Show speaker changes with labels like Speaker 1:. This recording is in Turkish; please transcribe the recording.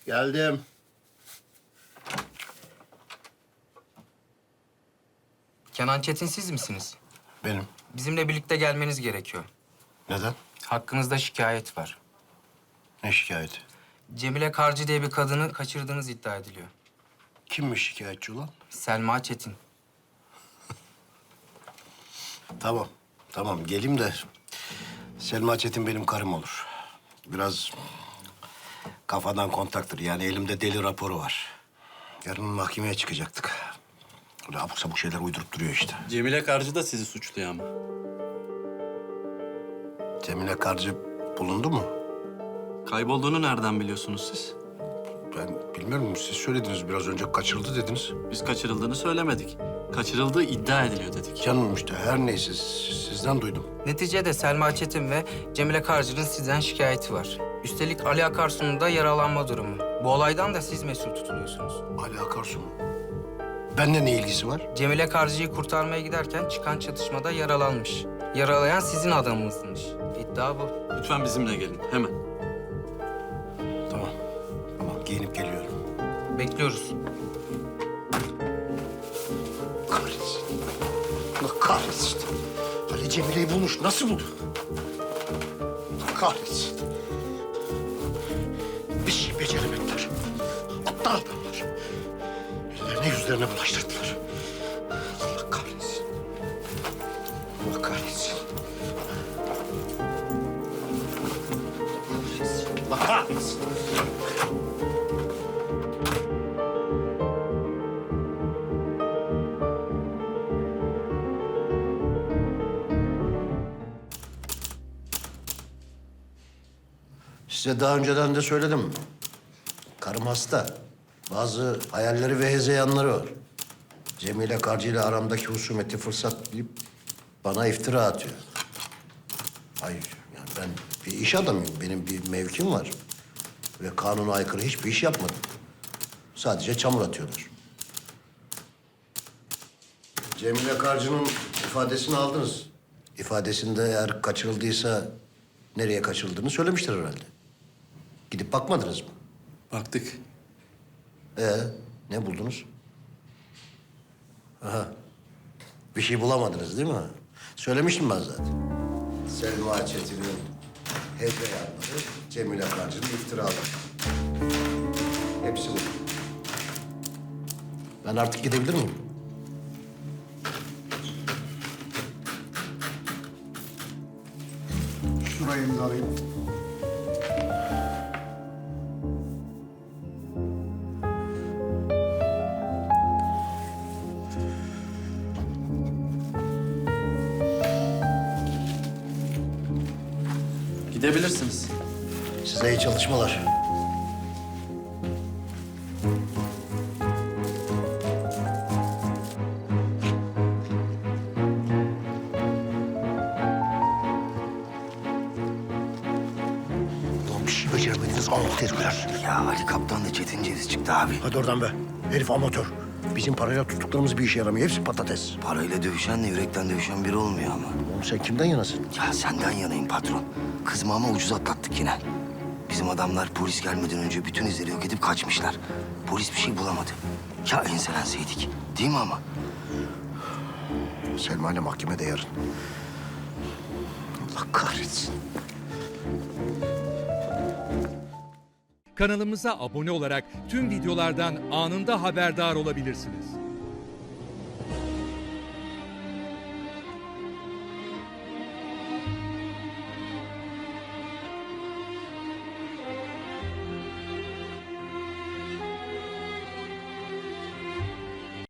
Speaker 1: Geldim.
Speaker 2: Kenan Çetin siz misiniz?
Speaker 1: Benim.
Speaker 2: Bizimle birlikte gelmeniz gerekiyor.
Speaker 1: Neden?
Speaker 2: Hakkınızda şikayet var.
Speaker 1: Ne şikayeti?
Speaker 2: Cemile Karcı diye bir kadını kaçırdığınız iddia ediliyor.
Speaker 1: Kimmiş şikayetçi olan?
Speaker 2: Selma Çetin.
Speaker 1: Tamam. Tamam geleyim de Selma Çetin benim karım olur. Biraz kafadan kontaktır. Yani elimde deli raporu var. Yarın mahkemeye çıkacaktık. Öyle abuk sabuk şeyler uydurup duruyor işte.
Speaker 3: Cemile Karcı da sizi suçluyor ama.
Speaker 1: Cemile Karcı bulundu mu?
Speaker 3: Kaybolduğunu nereden biliyorsunuz siz?
Speaker 1: Ben bilmiyorum. Siz söylediniz biraz önce kaçırıldı dediniz.
Speaker 3: Biz kaçırıldığını söylemedik. Kaçırıldığı iddia ediliyor dedik.
Speaker 1: Canım işte her neyse sizden duydum.
Speaker 2: Neticede Selma Çetin ve Cemile Karcı'nın sizden şikayeti var. Üstelik Ali Akarsu'nun da yaralanma durumu. Bu olaydan da siz mesul tutuluyorsunuz.
Speaker 1: Ali Akarsu mu? Benimle ne ilgisi var?
Speaker 2: Cemile Karcı'yı kurtarmaya giderken çıkan çatışmada yaralanmış. Yaralayan sizin adamınızmış. İddia bu.
Speaker 3: Lütfen bizimle gelin, hemen.
Speaker 1: Tamam. Tamam giyinip geliyorum.
Speaker 2: Bekliyoruz.
Speaker 1: Kahretsin. Allah kahretsin. Ali Cemile'yi bulmuş. Nasıl buldu? Allah kahretsin. Bir şey beceremediler. Aptal adamlar. Ellerine yüzlerine bulaştırdılar. Allah kahretsin. Allah kahretsin. Allah kahretsin. Size daha önceden de söyledim. Karım hasta. Bazı hayalleri ve hezeyanları var. Cemile Karcı ile aramdaki husumeti fırsat bilip bana iftira atıyor. Hayır, yani ben bir iş adamıyım. Benim bir mevkim var. Ve kanuna aykırı hiçbir iş yapmadım. Sadece çamur atıyorlar. Cemile Karcı'nın ifadesini aldınız. İfadesinde eğer kaçırıldıysa nereye kaçırıldığını söylemiştir herhalde. Gidip bakmadınız mı?
Speaker 3: Baktık.
Speaker 1: Ne buldunuz? Aha. Bir şey bulamadınız değil mi? Söylemiştim ben zaten. Selma Çetin'in hezeyanları, Cemile Karcı'nın iftiraları. Hepsi bu. Ben artık gidebilir miyim?
Speaker 4: Şurayı imzalayayım.
Speaker 3: Gidebilirsiniz.
Speaker 1: Size iyi çalışmalar. Ulan bir şey beceremediniz amok herifler.
Speaker 5: Ya Ali Kaptan da Çetin Ceviz çıktı abi.
Speaker 1: Hadi oradan be. Herif amatör. Bizim parayla tuttuklarımız bir işe yaramıyor. Hepsi patates.
Speaker 5: Parayla dövüşenle yürekten dövüşen biri olmuyor ama.
Speaker 1: Oğlum sen kimden yanasın?
Speaker 5: Ya senden yanayım patron. Kızımı ama ucuz atlattık yine. Bizim adamlar polis gelmeden önce bütün izleri yok edip kaçmışlar. Polis bir şey bulamadı. Ya enselenseydik. Değil mi ama?
Speaker 1: Selma ile mahkemede yarın. Allah kahretsin.
Speaker 6: Kanalımıza abone olarak tüm videolardan anında haberdar olabilirsiniz.